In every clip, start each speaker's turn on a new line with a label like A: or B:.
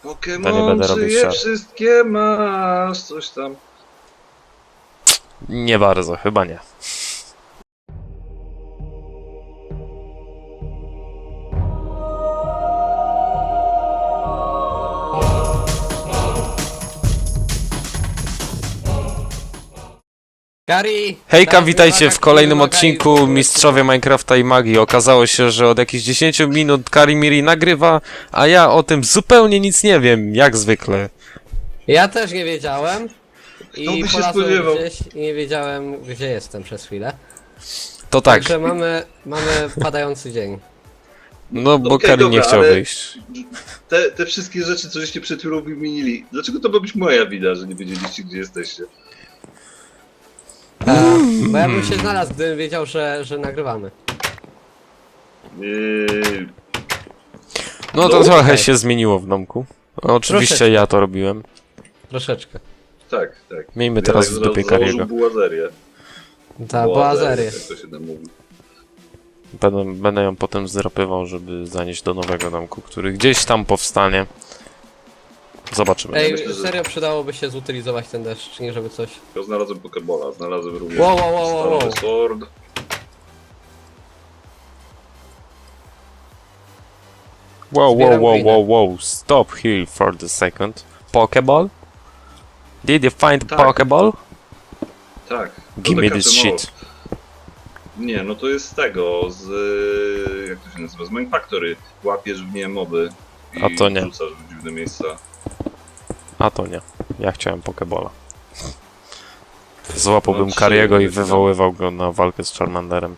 A: To nie będę robił
B: Pokémon,
A: siat.
B: wszystkie masz, coś tam.
A: Nie bardzo, chyba nie.
C: Gary!
A: Hejka, witajcie w kolejnym odcinku Mistrzowie Minecrafta i Magii. Okazało się, że od jakichś 10 minut Karimiri nagrywa, a ja o tym zupełnie nic nie wiem, jak zwykle.
C: Ja też nie wiedziałem.
B: Kto
C: I
B: by się
C: polazłem
B: spodziewał?
C: gdzieś i nie wiedziałem, gdzie jestem przez chwilę.
A: To tak,
C: Także mamy padający dzień.
A: no bo
B: Okej,
A: Karim nie
B: dobra,
A: chciał
B: ale-
A: wyjść.
B: Te wszystkie rzeczy, co żeście przed chwilą wymienili, dlaczego to ma być moja wina, że nie wiedzieliście, gdzie jesteście?
C: Bo ja bym się znalazł, gdybym wiedział, że nagrywamy.
A: No to
B: No,
A: trochę
C: okej.
A: się zmieniło w domku. Oczywiście
C: Troszeczkę.
A: ja to robiłem.
C: Troszeczkę.
B: Tak, tak.
A: Miejmy teraz w dupie Kariego.
B: bułazerię.
C: Ta boazerię.
B: Jak to się tam mówi.
A: Będę ją potem zdrapywał, żeby zanieść do nowego domku, który gdzieś tam powstanie. Zobaczymy.
C: Ej,
B: myślę, że-
C: serio przydałoby się zutylizować ten deszcz, nie żeby coś...
B: Ja znalazłem Pokebola, znalazłem również
C: Wow, wow, wow, wow, wow.
B: Stalowy Sword.
A: Wow, wow,
C: Zbieram
A: wow,
C: glinę.
A: wow, wow. Stop here for the second. Pokeball? Did you find
B: Tak.
A: Pokeball?
B: Tak.
A: Give
B: to
A: me
B: taka
A: this
B: cemowa-
A: shit.
B: Nie, no to jest z tego, z... jak to się nazywa? Z Minefactory. Łapiesz w nie moby i
A: A to nie.
B: wrzucasz w dziwne miejsca.
A: A to nie. Ja chciałem Pokebola. Złapałbym
B: No,
A: Kariego i
B: trzy,
A: wywoływał go na walkę z Charmanderem.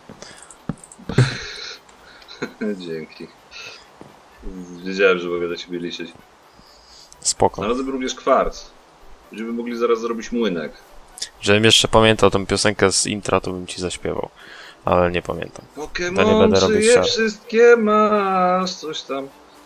B: Dzięki. Wiedziałem, że mogę do ciebie liczyć.
A: Spoko.
B: Znalazłem również kwarc. Będziemy mogli zaraz zrobić młynek.
A: Żebym jeszcze pamiętał tę piosenkę z intra, to bym ci zaśpiewał. Ale nie pamiętam. To nie będę
B: Pokémon,
A: robił
B: czy je
A: siat.
B: wszystkie masz, coś tam.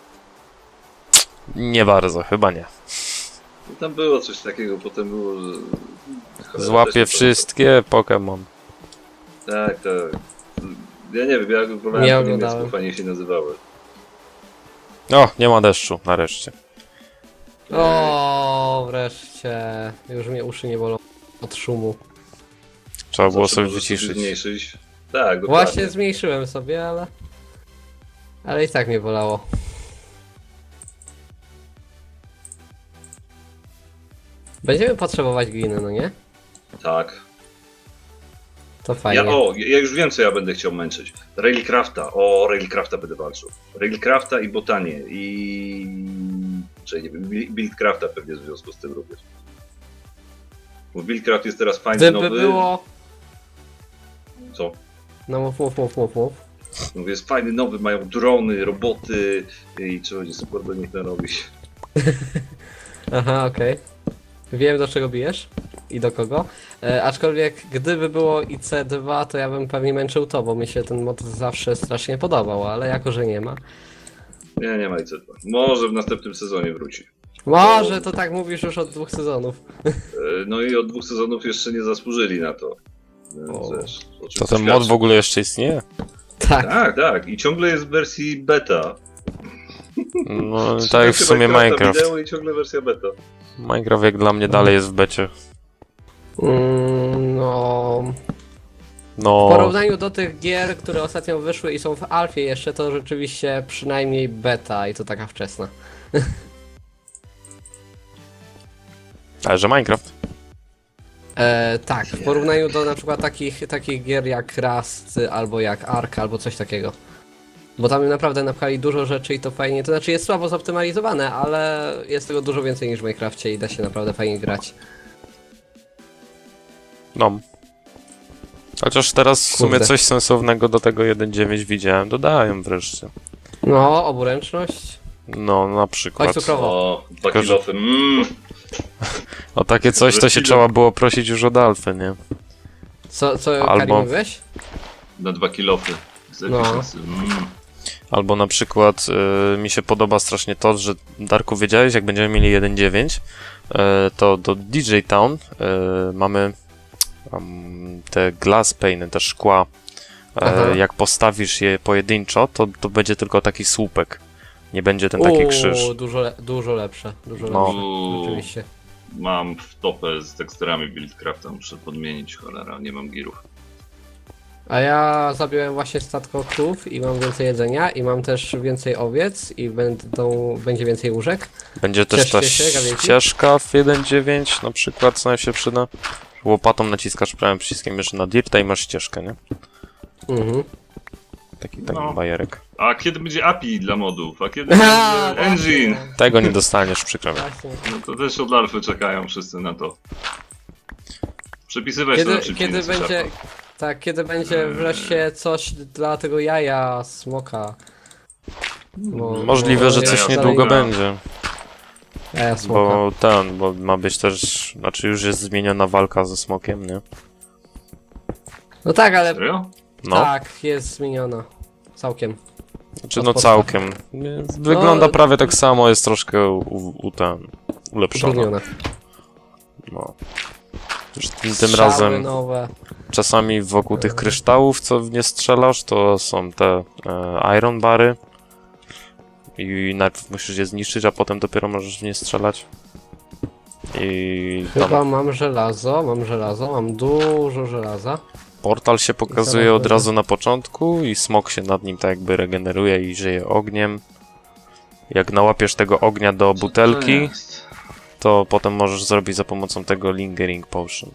A: Nie bardzo, chyba nie.
B: I tam było coś takiego, potem było, że... Cholera,
A: Złapię
B: też nie
A: wszystkie Pokémon.
B: pamiętam. Tak, tak. Ja nie wiem, ja wolałem
C: Nie
B: po niemiecku,
C: oglądałem.
B: fajnie się nazywały.
A: O, nie ma deszczu, nareszcie.
C: O, wreszcie. Już mnie uszy nie bolą od szumu.
A: Trzeba było
B: Zawsze
A: sobie
B: możesz
A: wyciszyć.
B: zmniejszyć. Tak, dokładnie.
C: Właśnie zmniejszyłem sobie, ale... Ale i tak mnie bolało. Będziemy potrzebować gliny, no nie?
B: Tak.
C: To fajnie.
B: Ja już wiem, co ja będę chciał męczyć. Railcrafta. O, Railcrafta będę walczył. Railcrafta i botanię. Czyli nie wiem, Buildcrafta pewnie w związku z tym również. Bo Buildcraft jest teraz fajny,
C: Gdyby
B: nowy.
C: było...
B: Co?
C: No mów.
B: Mówię, jest fajny, nowy, mają drony, roboty i trzeba będzie super do nich narobić.
C: Aha, okej. Wiem, do czego bijesz i do kogo. Aczkolwiek gdyby było IC2, to ja bym pewnie męczył to, bo mi się ten mod zawsze strasznie podobał, ale jako, że nie ma.
B: Nie ma IC2. Może w następnym sezonie wróci.
C: Może to tak mówisz już od 2 sezonów.
B: No i od 2 sezonów jeszcze nie zasłużyli na to. Więc
C: O.
B: wiesz, o czym
A: To
B: to
A: ten mod
B: świadczy.
A: w ogóle jeszcze istnieje?
C: Tak.
B: Tak, tak. I ciągle jest w wersji beta.
A: No, tak jak w sumie Minecraft.
B: Wideo i ciągle wersja beta.
A: Minecraft jak dla mnie dalej jest w becie.
C: No... W
A: No,
C: porównaniu do tych gier, które ostatnio wyszły i są w alfie jeszcze, to rzeczywiście przynajmniej beta i to taka wczesna.
A: ale że Minecraft.
C: Tak, w porównaniu do na przykład takich gier jak Rust, albo jak Ark, albo coś takiego. Bo tam naprawdę napchali dużo rzeczy i to fajnie, to znaczy jest słabo zoptymalizowane, ale jest tego dużo więcej niż w Minecrafcie i da się naprawdę fajnie grać.
A: No. Chociaż teraz w sumie
C: Kurde.
A: coś sensownego do tego 1.9 widziałem. Dodają wreszcie.
C: No, oburęczność.
A: No, na przykład.
C: Chodź cukrowo.
B: O, 2
A: Tylko, że-
B: kilofy.
A: O takie coś to się
B: Wreszcie
A: trzeba było prosić już od Alfy, nie?
C: Co
A: Albo-
C: Kari mówiłeś?
B: Na 2 kilofy.
C: No.
A: Albo na przykład mi się podoba strasznie to, że Darku, wiedziałeś, jak będziemy mieli 1.9, to do DJ Town mamy te glass pane, te szkła.
C: Aha.
A: Jak postawisz je pojedynczo, to będzie tylko taki słupek. Nie będzie ten taki krzyż.
C: Dużo lepsze. Dużo
A: No.
C: lepsze. Rzeczywiście.
B: Mam w topę z teksturami Buildcrafta, muszę podmienić, cholera, nie mam girów.
C: A ja zabiłem właśnie statko krów i mam więcej jedzenia i mam też więcej owiec i będzie więcej łóżek.
A: Będzie też ta
C: Cieszcie się, gawiecie?
A: ścieżka w 1.9 na przykład, co nam się przyda. Łopatą naciskasz prawym przyciskiem jeszcze na dirta i masz ścieżkę, nie?
C: Mhm.
A: Taki
B: No.
A: bajerek.
B: A kiedy będzie API dla modów? A kiedy będzie engine?
A: Tego nie dostaniesz, przykro mi.
C: Właśnie.
B: No to też od alfy czekają wszyscy na to. Przepisywać to na szybciej,
C: Kiedy
B: na
C: będzie...
B: C-Sharpa.
C: Tak, kiedy będzie wreszcie coś dla tego jaja smoka.
A: Możliwe, że
C: jest
A: coś
B: dalej-
A: niedługo
B: no.
A: będzie.
C: Jaja smoka.
A: Bo ma być też, znaczy już jest zmieniona walka ze smokiem, nie?
C: No tak, ale
B: Serio?
A: No,
C: tak, jest zmieniona. Całkiem.
A: znaczy
C: od
A: no
C: podstaw.
A: całkiem. Wygląda
C: No,
A: prawie tak samo, jest troszkę ulepszona.
C: Utrudniona.
A: No. Już tym
C: Strzały
A: razem
C: nowe.
A: czasami wokół tych kryształów, co w nie strzelasz, to są te iron bary. I najpierw musisz je zniszczyć, a potem dopiero możesz w nie strzelać. I tam
C: Chyba mam żelazo, mam dużo żelaza.
A: portal się pokazuje
C: zaraz
A: od
C: będzie.
A: razu na początku i smok się nad nim tak jakby regeneruje i żyje ogniem. Jak nałapiesz tego ognia do butelki,
B: Co to jest?
A: to potem możesz zrobić za pomocą tego lingering potion.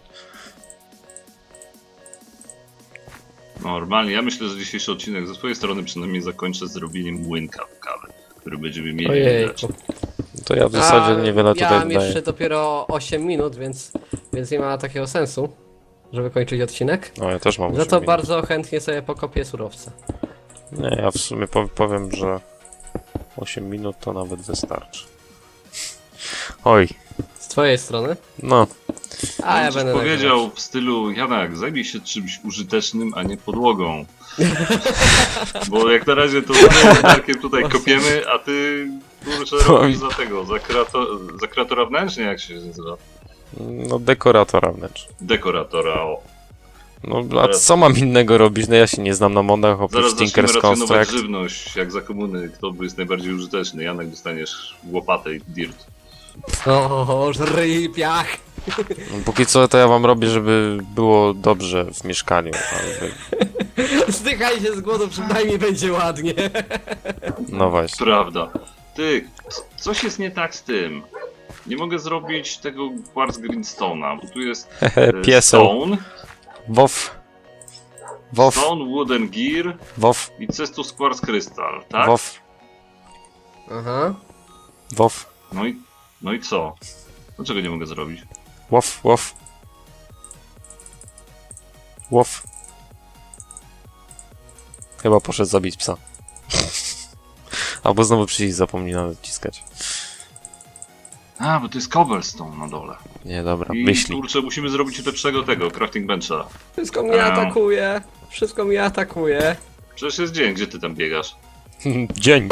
B: Normalnie, ja myślę, że dzisiejszy odcinek ze swojej strony przynajmniej zakończę zrobieniem młynka w kawę, który będziemy mieli
C: Ojej.
B: rzeczy.
A: To ja w zasadzie niewiele
C: Ja
A: tutaj
C: mam
A: dodaję.
C: jeszcze dopiero 8 minut, więc nie ma takiego sensu, żeby kończyć odcinek.
A: No ja też mam
C: Za
A: 8
C: to
A: minut.
C: bardzo chętnie sobie pokopię surowce.
A: Nie, ja w sumie powiem, że 8 minut to nawet wystarczy. Oj,
C: Z twojej strony.
A: no.
C: A ja
B: Coś
C: będę
B: powiedział
C: nagrywać.
B: w stylu, Janak, zajmij się czymś użytecznym, a nie podłogą. Bo jak na razie to z Darkiem tutaj kopiemy, a ty kurczę robisz za tego, za kreatora wnętrznie, jak się nazywa?
A: No dekoratora wnętrz.
B: Dekoratora, o.
A: No a
B: Zaraz-
A: co mam innego robić? No ja się nie znam na modach oprócz
B: Zaraz zaczniemy
A: Tinker's
B: racjonować
A: Construct.
B: żywność, jak za komuny, kto jest najbardziej użyteczny. Janek, dostaniesz łopatę i dirt.
C: O, żryj piach!
A: Póki co to ja wam robię, żeby było dobrze w mieszkaniu. Ale
C: Zdychaj się z głodu, przynajmniej będzie ładnie.
A: no właśnie.
B: Prawda. Ty, coś jest nie tak z tym. Nie mogę zrobić tego Quartz Greenstone'a, bo tu jest
A: Pieseł.
B: Stone,
A: Wof. Wof.
B: Stone, Wooden Gear
A: Wof.
B: i Cestus Quartz Crystal, tak?
A: Wof.
C: Aha.
A: Wof.
B: No i co? Dlaczego nie mogę zrobić?
A: Wof. Wof. Wof. Chyba poszedł zabić psa. Albo znowu przycisk zapomniał naciskać.
B: A, bo to jest cobblestone na dole.
A: Nie, dobra,
B: I
A: myśli.
B: kurczę, musimy zrobić lepszego tego, crafting bencha.
C: Wszystko mnie atakuje. Wszystko mnie atakuje.
B: Przecież jest dzień, gdzie ty tam biegasz?
A: Dzień.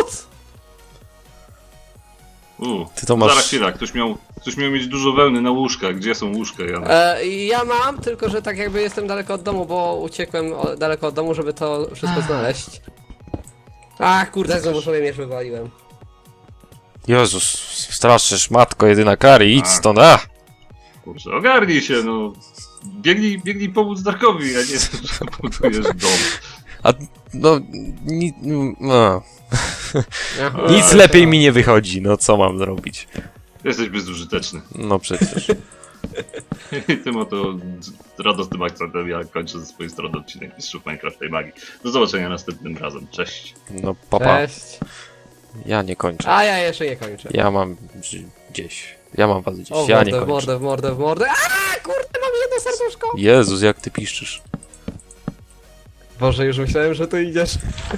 A: Ty to masz...
B: Zaraz chwila, ktoś miał mieć dużo wełny na łóżkach. Gdzie są łóżka, Janek?
C: Ja mam, tylko że tak jakby jestem daleko od domu, bo uciekłem daleko od domu, żeby to wszystko znaleźć. Ach, kurde, znowu sobie miecz wywaliłem.
A: Jezus, straszysz, matko, jedyna Kari, idź
B: Tak.
A: stąd, a!
B: Kurczę, ogarnij się, no. Biegnij pomóc Darkowi, a nie że budujesz dom.
A: A, no, no.
C: Aha.
A: Nic lepiej mi nie wychodzi, no co mam zrobić?
B: Jesteś bezużyteczny.
A: No przecież.
B: I tym oto radosnym akcentem ja kończę ze swojej strony odcinek Mistrzów Minecrafta i Magii. Do zobaczenia następnym razem. Cześć.
A: No papa,
C: Cześć.
A: ja nie kończę.
C: A ja jeszcze nie kończę.
A: Ja mam gdzieś. Ja mam was gdzieś,
C: O,
A: ja nie
C: w
A: kończę.
C: mordę, w mordę, w mordę. A, kurde, mam jedno serduszko.
A: Jezus, jak ty piszczysz.
C: Boże, już myślałem, że tu idziesz.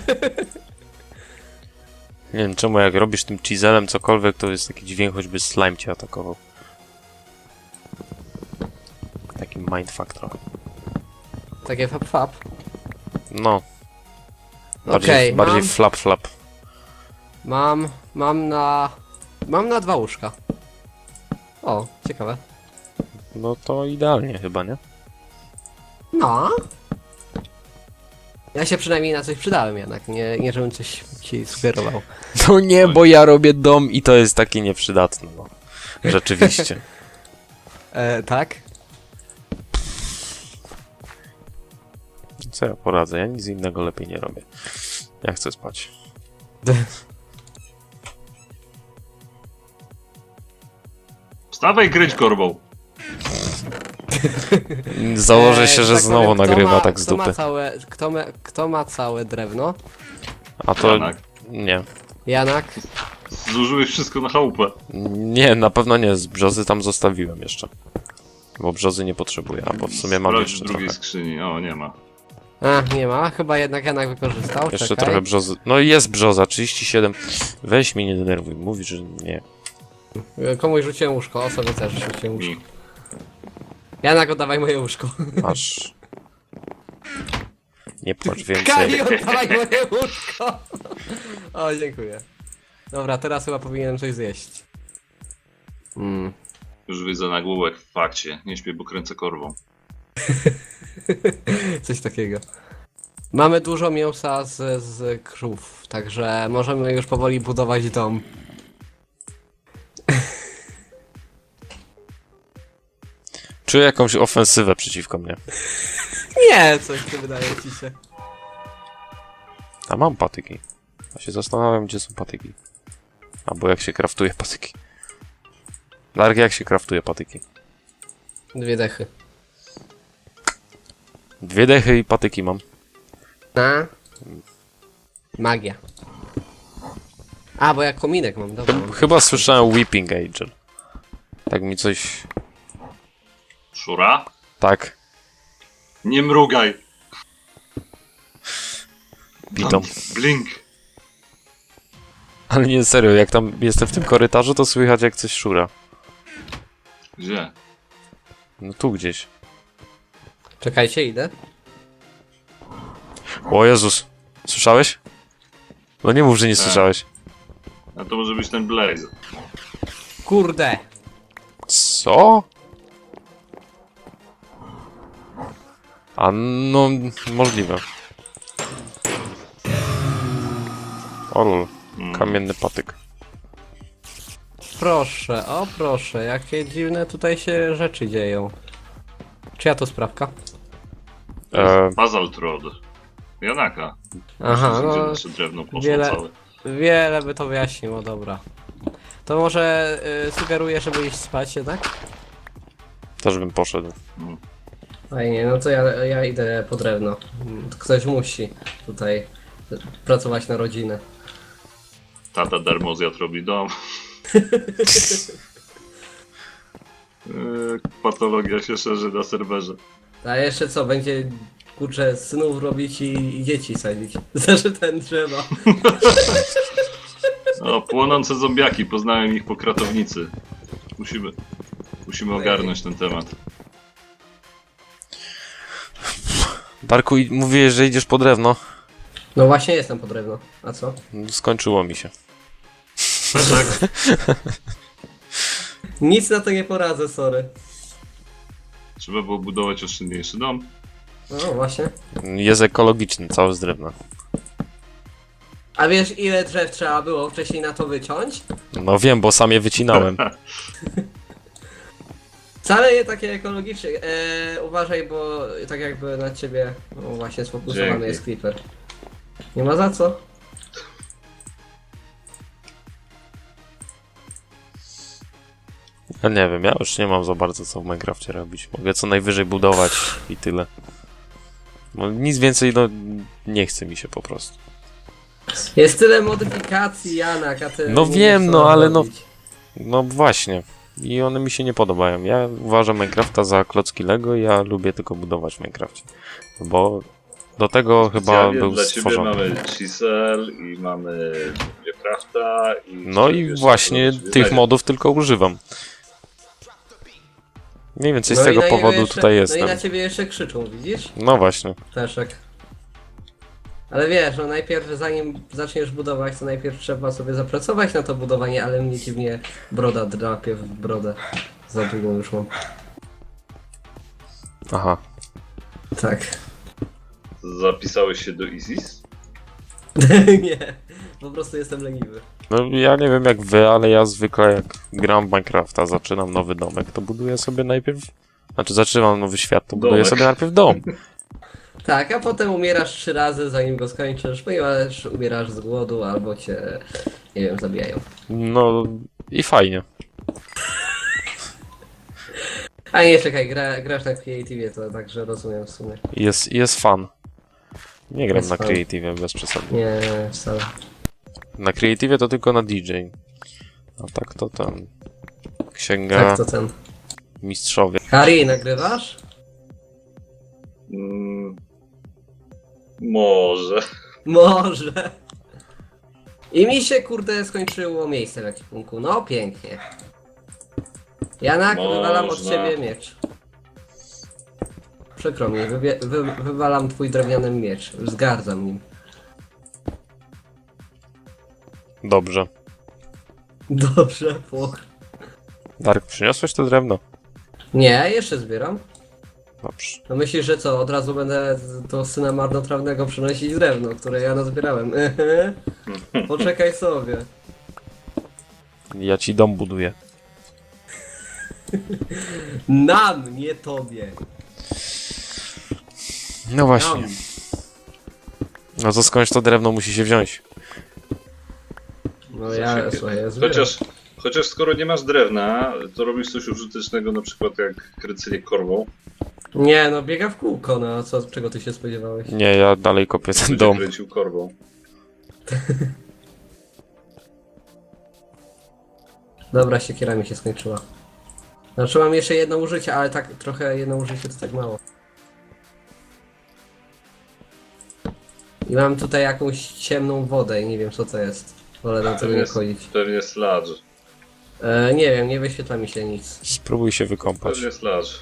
A: Nie wiem czemu, jak robisz tym chiselem cokolwiek, to jest taki dźwięk, choćby slime cię atakował. Taki mindfuck trochę.
C: Takie fap.
A: No.
C: Okej,
A: Bardziej flap.
C: mam na 2 łóżka. O, ciekawe.
A: No to idealnie chyba, nie?
C: No. Ja się przynajmniej na coś przydałem jednak, nie żebym coś ci sugerował.
A: No nie, bo ja robię dom i to jest taki nieprzydatny, no. Rzeczywiście.
C: Tak?
A: Co ja poradzę? Ja nic innego lepiej nie robię. Ja chcę spać.
B: Wstawaj, kryć korbą.
A: Założę się, że
C: tak
A: znowu
C: powiem,
A: nagrywa tak z
C: kto ma
A: dupy.
C: kto ma całe drewno?
A: A to...
B: Janak.
A: Nie.
C: Janak?
B: Zużyłeś wszystko na chałupę.
A: Nie, na pewno nie. Z brzozy tam zostawiłem jeszcze. Bo brzozy nie potrzebuję, a bo w sumie mam
B: Sprawdź
A: jeszcze
B: w drugiej
A: trochę.
B: skrzyni. O, nie ma.
C: A, nie ma. Chyba jednak Janak wykorzystał.
A: Jeszcze
C: Czekaj.
A: trochę brzozy. No i jest brzoza, 37. Weź mnie nie denerwuj, mówisz, że nie.
C: Komuś rzuciłem łóżko, o sobie też rzuciłem łóżko.
B: Mi.
C: Janak, oddawaj moje łóżko.
A: Masz. Nie płacz
C: Kali,
A: więcej.
C: oddawaj moje łóżko! O, dziękuję. Dobra, teraz chyba powinienem coś zjeść.
B: Już widzę nagłówek w fakcie. Nie śpię, bo kręcę korbą.
C: Coś takiego. Mamy dużo mięsa z krów, także możemy już powoli budować dom.
A: Czuję jakąś ofensywę przeciwko mnie.
C: Nie, coś tu wydaje ci się.
A: A mam patyki. Ja się zastanawiam, gdzie są patyki. Albo jak się kraftuje patyki. Dark, jak się kraftuje patyki?
C: 2 dechy.
A: 2 dechy i patyki mam.
C: A? Magia. A, bo ja kominek mam, dobra.
A: Chyba słyszałem Weeping Angel. Tak mi coś...
B: Szura?
A: Tak,
B: Nie mrugaj!
A: pitom.
B: Blink!
A: Ale nie, serio, jak tam jestem w tym korytarzu, to słychać jak coś szura.
B: Gdzie?
A: No tu gdzieś.
C: Czekajcie, idę.
A: O Jezus. Słyszałeś? No nie mów, że nie
B: Tak.
A: słyszałeś.
B: A to może być ten Blaze.
C: Kurde!
A: Co? A no, możliwe. O lol, kamienny patyk.
C: Proszę, o proszę, jakie dziwne tutaj się rzeczy dzieją. Czyja to sprawka?
B: Basalt Rod. Janaka.
C: Aha,
B: Gdzie
C: no
B: nasze drewno poszło
C: wiele-
B: całe.
C: wiele by to wyjaśniło, dobra. To może sugeruję, żeby iść spać jednak?
A: Też bym poszedł.
C: Fajnie, no to ja idę po drewno. Ktoś musi tutaj pracować na rodzinę.
B: Tata darmozjad robi dom. Patologia się szerzy na serwerze.
C: A jeszcze co, będzie kurczę synów robić i dzieci sadzić. Znaczy ten drzewa.
B: O, płonące zombiaki, poznałem ich po kratownicy. Musimy ogarnąć ten temat.
A: Darku, mówiłeś, że idziesz po drewno.
C: No właśnie jestem po drewno. A co?
A: Skończyło mi się.
C: Nic na to nie poradzę, sorry.
B: Trzeba było budować oszczędniejszy dom.
C: No właśnie.
A: Jest ekologiczny, cały z drewna.
C: A wiesz ile drzew trzeba było wcześniej na to wyciąć?
A: No wiem, bo sam je wycinałem.
C: Wcale nie takie ekologiczne. Uważaj, bo tak jakby na ciebie właśnie sfokusowany
B: Dzięki.
C: jest creeper. Nie ma za co.
A: Ja nie wiem, ja już nie mam za bardzo co w Minecrafcie robić. Mogę co najwyżej budować i tyle. No, nic więcej, no nie chce mi się po prostu.
C: Jest tyle modyfikacji, Janak, a ty
A: No
C: nie
A: wiem,
C: wiesz,
A: no,
C: co
A: ale no-
C: robić.
A: No właśnie. I one mi się nie podobają. Ja uważam Minecrafta za klocki Lego i ja lubię tylko budować w Minecrafcie. Bo do tego chyba
B: Specjalnie
A: był
B: dla ciebie
A: stworzony.
B: mamy Chisel i mamy Crafta i...
A: No i
B: wiesz,
A: właśnie
B: co sobie
A: tych
B: znajdzie.
A: modów tylko używam. Mniej więcej z
C: No i
A: tego
C: na niego
A: powodu
C: jeszcze,
A: tutaj
C: No
A: jestem.
C: i na ciebie jeszcze krzyczą, widzisz?
A: No właśnie.
C: Peszek. Ale wiesz, no najpierw zanim zaczniesz budować, to najpierw trzeba sobie zapracować na to budowanie, ale mnie dziwnie broda drapie w brodę. Za długą już mam.
A: Aha.
C: Tak.
B: Zapisałeś się do ISIS?
C: Nie, po prostu jestem leniwy.
A: No ja nie wiem jak wy, ale ja zwykle jak gram w Minecrafta, zaczynam nowy domek, to buduję sobie najpierw... Znaczy zaczynam nowy świat, to buduję
B: Domek.
A: sobie najpierw dom.
C: Tak, a potem umierasz 3 razy zanim go skończysz, ponieważ umierasz z głodu albo cię, nie wiem, zabijają.
A: No i fajnie.
C: A nie, czekaj, grasz na Creative, to także rozumiem w sumie.
A: Jest fan. Nie gram
C: Jest
A: na
C: fan.
A: Creative bez przesady.
C: Nie, wcale.
A: Na Creative to tylko na DJ. A tak to tam... Księga,
C: Tak to ten.
A: mistrzowie.
C: Harry, nagrywasz?
B: Może.
C: Może. I mi się, kurde, skończyło miejsce w ekwipunku. No, pięknie. Janak, wywalam od
B: Można.
C: ciebie miecz. Przykro mi, wywalam twój drewniany miecz. Zgardzam nim.
A: Dobrze.
C: Dobrze, płoch.
A: Dark, przyniosłeś to drewno?
C: Nie, jeszcze zbieram.
A: Dobrze.
C: No myślisz, że co, od razu będę do syna marnotrawnego przynosić drewno, które ja nazbierałem. Poczekaj sobie.
A: Ja ci dom buduję.
C: Nam, nie tobie.
A: No właśnie.
C: Nam.
A: No to skądś to drewno musi się wziąć.
C: No ja, słuchaj, ja zbieram.
B: Chociaż skoro nie masz drewna, to robisz coś użytecznego, na przykład jak kręcenie korwą.
C: Nie, no biega w kółko, no a co, czego ty się spodziewałeś?
A: Nie, ja dalej kopię ten
B: Będzie
A: dom.
B: kręcił korwą.
C: Dobra, siekiera mi się skończyła. Znaczy mam jeszcze jedno użycie, ale tak trochę jedno użycie to tak mało. I mam tutaj jakąś ciemną wodę i nie wiem co to jest. Wolę na tego nie chodzić.
B: Pewnie sludge.
C: Nie wiem, nie wyświetla mi się nic.
A: Spróbuj się wykąpać.
B: Pewnie sludge.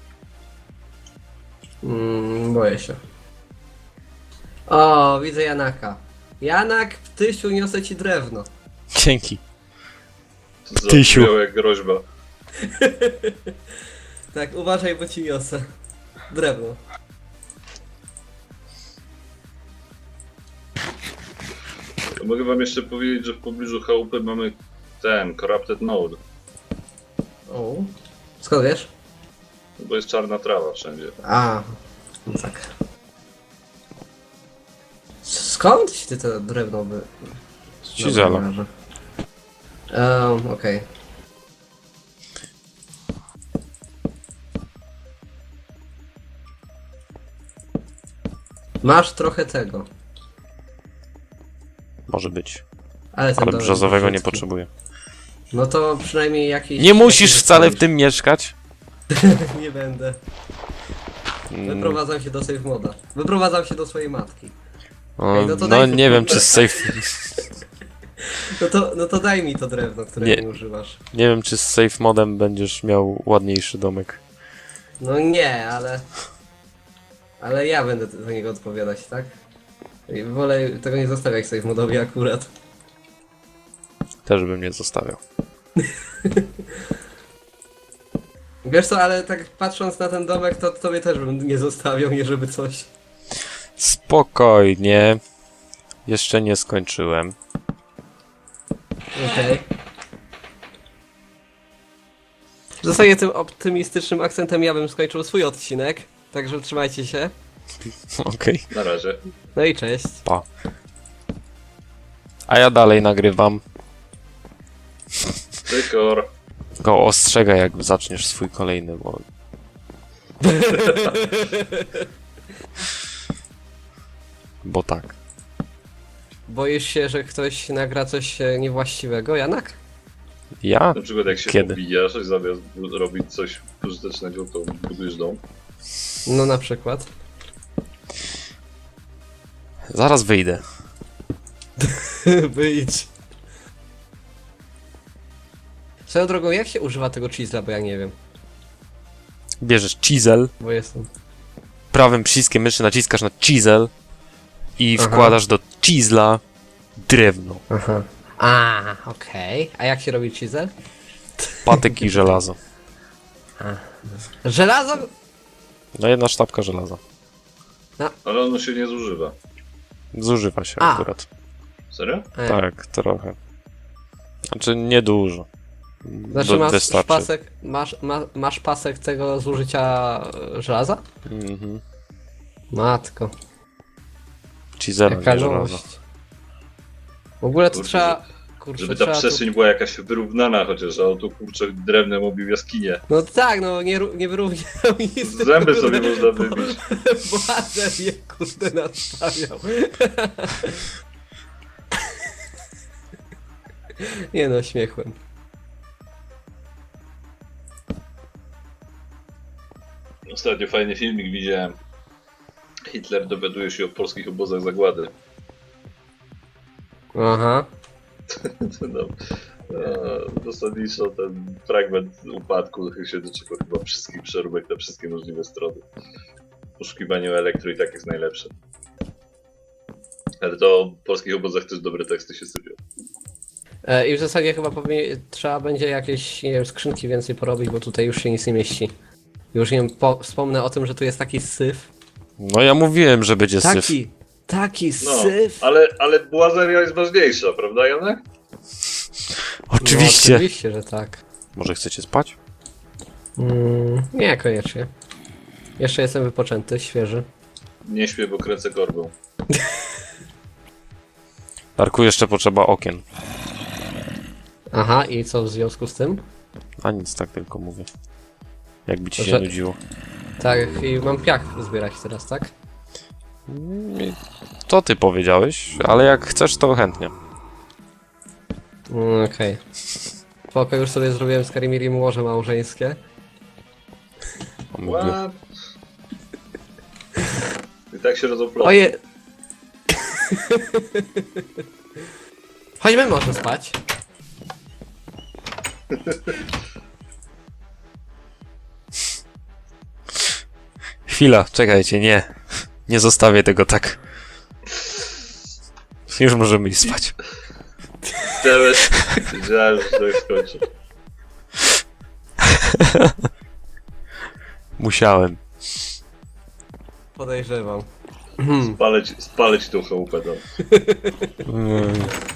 C: Boję się. O, widzę Janaka. Janak, Ptysiu, niosę ci drewno.
A: Dzięki.
B: Zabrzmiało jak groźba.
C: Tak, uważaj, bo ci niosę. Drewno.
B: Mogę wam jeszcze powiedzieć, że w pobliżu chałupy mamy ten, Corrupted Node.
C: O. Skąd wiesz?
B: Bo jest czarna trawa wszędzie.
C: A, no tak. Skąd ci ty to drewno by...
A: Cizela.
C: Okej. Masz trochę tego.
A: Może być.
C: Ale, ten
A: Ale
C: domek
A: brzozowego nie
C: brzydki.
A: potrzebuję.
C: No to przynajmniej jakiś...
A: Nie musisz
C: jakiś
A: wcale w
C: coś.
A: tym mieszkać.
C: Nie będę.
A: Mm,
C: Wyprowadzam się do save moda. Wyprowadzam się do swojej matki.
A: No,
C: Ej, no to
A: no
C: daj-
A: nie wiem czy z safe...
C: No to daj mi to drewno, którego
A: Nie.
C: nie używasz.
A: Nie wiem czy z safe modem będziesz miał ładniejszy domek.
C: No nie, ale... Ale ja będę za niego odpowiadać, tak? I wolę tego nie zostawiać save modowi akurat.
A: Też bym nie zostawiał.
C: Wiesz co, ale tak patrząc na ten domek, to tobie też bym nie zostawiał, nie żeby coś.
A: Spokojnie. Jeszcze nie skończyłem.
C: Okej. W zasadzie tym optymistycznym akcentem ja bym skończył swój odcinek, także trzymajcie się.
A: Okej.
B: Na razie.
C: No i cześć.
A: Pa. A ja dalej nagrywam.
B: Tykor.
A: Go ostrzegaj jak zaczniesz swój kolejny, bo... Bo tak.
C: Boisz się, że ktoś nagra coś niewłaściwego, Janak?
A: Ja?
B: Na przykład jak się
A: Kiedy?
B: pobijasz i zamiast robić coś pożytecznego, to budujesz dom.
C: No na przykład.
A: Zaraz wyjdę.
C: Wyjdź. Swoją drogą, jak się używa tego chisla, bo ja nie wiem.
A: Bierzesz chisel,
C: Bo jestem.
A: prawym przyciskiem myszy naciskasz na chisel i
C: Aha.
A: wkładasz do chisla drewno,
C: Aha. A, okej. A jak się robi chisel?
A: patyk i żelazo.
C: Żelazo?
A: No jedna sztabka żelaza.
B: Ale ono się nie zużywa.
A: Zużywa się
C: A.
A: akurat.
B: Serio?
A: Tak, trochę. Znaczy niedużo.
C: Znaczy masz
A: Wystarczy.
C: pasek, masz pasek tego zużycia żelaza?
A: Mhm.
C: Matko,
A: Ci zero,
C: jaka
A: nie żelazo.
C: nowość. W ogóle to
B: Kurczę,
C: trzeba... Kurczę,
B: Żeby ta
C: trzeba
B: przestrzeń była jakaś wyrównana chociaż, a on tu kurczę drewnem obił jaskinię.
C: No tak, no nie wyrównał nic.
B: Zęby sobie można wybić.
C: Władzę je kurde nastawiał. Nie no, śmiechłem.
B: Ostatnio fajny filmik widziałem. Hitler dowiaduje się o polskich obozach zagłady.
C: Aha.
B: No, zasadniczo ten fragment upadku się doczekał chyba wszystkich przeróbek na wszystkie możliwe strony. Poszukiwanie elektro i tak jest najlepsze. Ale to o polskich obozach też dobre teksty się sypią.
C: I w zasadzie chyba trzeba będzie jakieś, nie wiem, skrzynki więcej porobić, bo tutaj już się nic nie mieści. Już nie wiem, wspomnę o tym, że tu jest taki syf.
A: No ja mówiłem, że będzie syf.
C: Taki
B: No,
C: syf.
B: ale błazeria jest ważniejsza, prawda Janek?
A: Oczywiście.
C: No, oczywiście, że tak.
A: Może chcecie spać?
C: Nie, koniecznie. Jeszcze jestem wypoczęty, świeży.
B: Nie śpię, bo kręcę korbą.
A: Darku, jeszcze potrzeba okien.
C: Aha, i co w związku z tym?
A: A nic, tak tylko mówię. Jakby ci się
C: Że-
A: nudziło.
C: Tak, i mam piach zbierać teraz, tak?
A: To ty powiedziałeś, ale jak chcesz, to chętnie.
C: Okej. Spoko, już sobie zrobiłem z Karimirim łoże małżeńskie.
A: On mówił,
B: What? I tak się rodzą plotki.
C: Oje! Chodźmy może spać.
A: chwila, czekajcie, nie. Nie zostawię tego tak. Już możemy iść spać.
B: Teraz wiedziałem, że to skończy.
A: Musiałem.
C: Podejrzewam.
B: Spalę ci tą chałupę tam.
A: Mm.